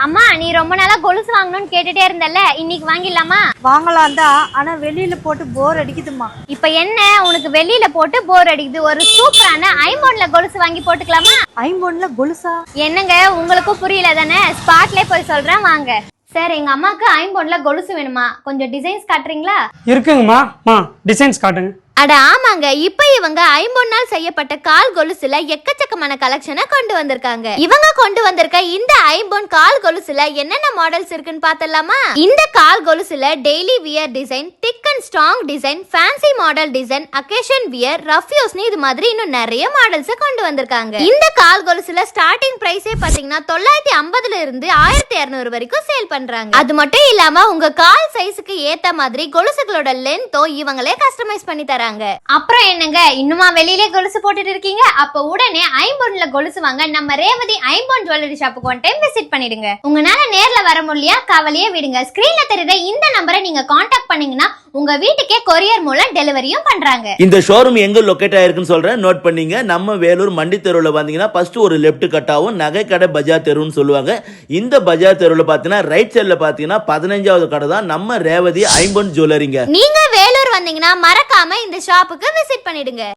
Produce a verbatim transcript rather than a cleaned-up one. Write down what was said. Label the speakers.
Speaker 1: அம்மா நீ ரொம்ப நாளா கொலுசு வாங்கணும்னு கேட்டுட்டே இருந்தல்ல, இன்னைக்கு வாங்கிடலாமா?
Speaker 2: வாங்கலாம் தான், ஆனா வெளியில போட்டு போர் அடிக்குதுமா.
Speaker 1: இப்ப என்ன உனக்கு வெளியில போட்டு போர் அடிக்குது? ஒரு சூப்பரான ஐம்பொன்ல கொலுசு வாங்கி போட்டுக்கலாமா?
Speaker 2: ஐம்பொன்ல கொலுசா?
Speaker 1: என்னங்க உங்களுக்கும் புரியல தானே? ஸ்பாட்லயே போய் சொல்றேன் வாங்க. சார் எங்க அம்மாக்கு ஐம்பொன்ல கொலுசு வேணுமா? கொஞ்சம் டிசைன்ஸ் காட்டுறீங்களா?
Speaker 3: இருக்குங்கம்மா, டிசைன்ஸ் காட்டுங்க.
Speaker 1: அட ஆமாங்க, இப்ப இவங்க ஐம்பொன்னால் செய்யப்பட்ட கால் கொலுசுல எக்கச்சக்கமான கலெக்ஷனை கொண்டு வந்திருக்காங்க. இவங்க கொண்டு வந்திருக்க இந்த ஐம்பொன் கால் கொலுசுல என்னென்ன மாடல்ஸ் இருக்குன்னு பார்த்தலாமா? இந்த கால் கொலுசுல daily wear design, thick and strong design, fancy model design, occasion wear, rough யூஸ்னு இது மாதிரி இன்னும் நிறைய மாடல்ஸ் கொண்டு வந்திருக்காங்க. இந்த கால் கொலுசுல ஸ்டார்டிங் பிரைஸே பாத்தீங்கன்னா தொள்ளாயிரத்தி ஐம்பதுல இருந்து ஆயிரத்தி இருநூறு வரைக்கும் சேல் பண்றாங்க. அது மட்டும் இல்லாம உங்க கால் சைஸுக்கு ஏத்த மாதிரி கொலுசுகளோட லென்த்தோ இவங்களே கஸ்டமைஸ் பண்ணி தராங்க. அப்புறம் என்னங்க இன்னுமா வெளியிலே கொலுசு போட்டுட்டு இருக்கீங்க? அப்ப உடனே ஐம்பொன்ல கொலுசு வாங்க நம்ம ரேவதி ஐம்பொன் ஜுவல்லரி ஷாப்புக்கு ஒன் டைம் விசிட் பண்ணிடுங்க. உங்களால நேர்ல வர முடியலையா? கவலையே விடுங்க. ஸ்கிரீன்ல தெரியுற இந்த நம்பரை நீங்க காண்டாக்ட் பண்ணீங்கன்னா உங்க வீட்டுக்கே கொரியர் மூலம் டெலிவரியும் பண்றாங்க.
Speaker 4: இந்த ஷோரூம் எங்க லொகேட் ஆயிருக்குன்னு சொல்றேன், நோட் பண்ணீங்க. நம்ம வேலூர் மண்டி தெருவில் பாத்தீங்கன்னா ஃபர்ஸ்ட் ஒரு லெஃப்ட் கட்டாவும் நகை கடை பஜார் தெருன்னு சொல்லுவாங்க. இந்த பஜார் தெருவில் பாத்தீங்கன்னா ரைட் சைட்ல பாத்தீங்கன்னா பதினஞ்சாவது கடை தான் நம்ம ரேவதி ஐம்பொன் ஜுவல்லரிங்க.
Speaker 1: நீங்க வேலூர் வந்தீங்கன்னா மறக்காம இந்த ஷாப்புக்கு விசிட் பண்ணிடுங்க.